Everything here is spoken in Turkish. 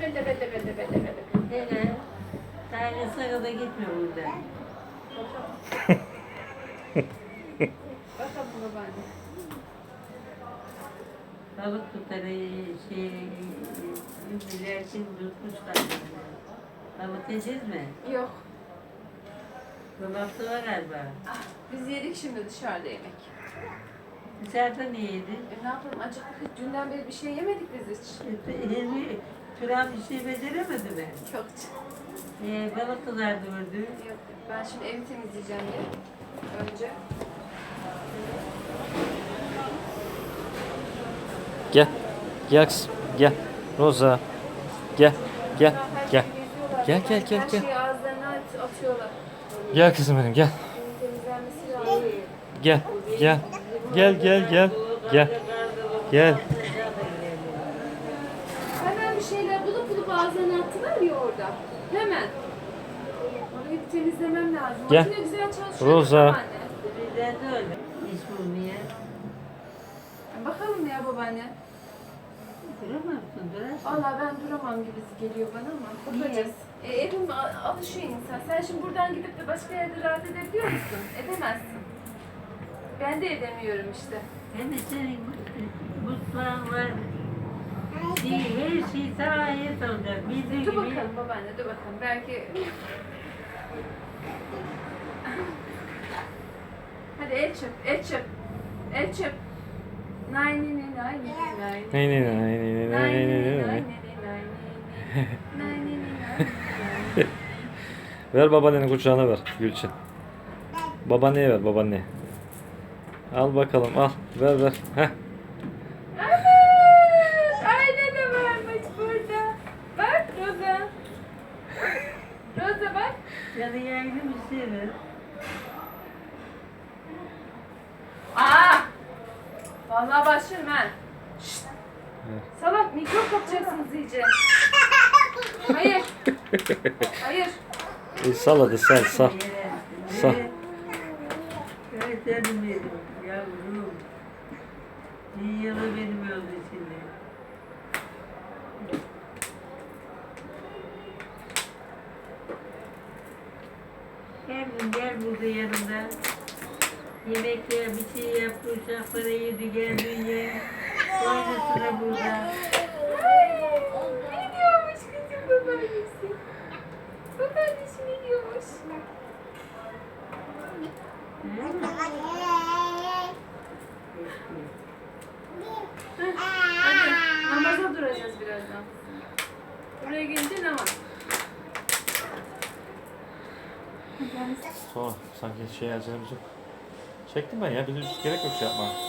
Hele. Dairesi kadar gitmiyor burada. Bakalım babaanne. Balık tutarı ünlülersin tutmuşlar. Balık yiyeceğiz mi? Yok. Dolapta var galiba. Biz yedik şimdi dışarıda yemek. Dışarıda ne yedin? Ne yapalım acıktık. Dünden beri bir şey yemedik biz hiç. Hilmi Turan bir şey beceremedi mi? Yok. Balık kızardı ördü. Yok. Ben şimdi evi temizleyeceğim ya. Önce. Gel. Gel kızım. Gel. Roza. Gel. Gel. Her Gel. şeyi geziyorlar. Gel, gel, gel, Her gel. şeyi ağızlarına atıyorlar. Gel kızım benim gel. Evin temizlenmesi lazım. Gel. Gel. Gel gel gel. Gel. Gel. Hemen bir şeyler bulup ağızlarına attılar ya orada. Hemen. Orayı bir temizlemem lazım. Gel. Makine güzel çalışıyor. Roza. Babaanne. Bizden de öyle. İş bulmaya. Bakalım ya babaanne. Duramazsın, durarsın. Vallahi ben duramam gibi geliyor bana ama bakacağız. Evim alışıyor insan. Sen şimdi buradan gidip de başka yerde rahat edebiliyor musun? Edemezsin. Ben de edemiyorum işte. Hem de senin mutfağın var. Her şey sana ait olacak. Bildiğin Dur gibi. bakalım babaanne, dur bakalım. Belki... Hadi el çöp, el çöp. El çöp. Nay ni ni nay ni ni nay ni. Ney ney ney ney ney Nay ni ney ni ney nay ney. ni ni nay ni. Nay ni ni nay ni. Ver babaannenin kucağına ver Gülçin. Babaanneye ver babaanneye. Al bakalım al. Ver ver. Heh. Evet, ayna da varmış burada. Bak Roza. Roza bak. Yani yaylı bir şey ver. Aa! Vallahi başlarım ha. Şşt. Salak mikrop kapacaksınız iyice. Hayır. Hayır. Sal hadi sal sal. Sağ. Evet canım benim yavrum. İyi yalı benim oldu şimdi. Gel burada yanımda. Yemekler bir şey yap, uşaklara yedi geldin ye. Oyna sıra burada. Ay, ne diyormuş kızım babaannesi? Babaannesi ne diyormuş? Hadi namaza duracağız birazdan. Buraya gelince namaz. Sonra sanki şey acelemiz yok. Çektim ben ya. Bir gerek yok şey yapma.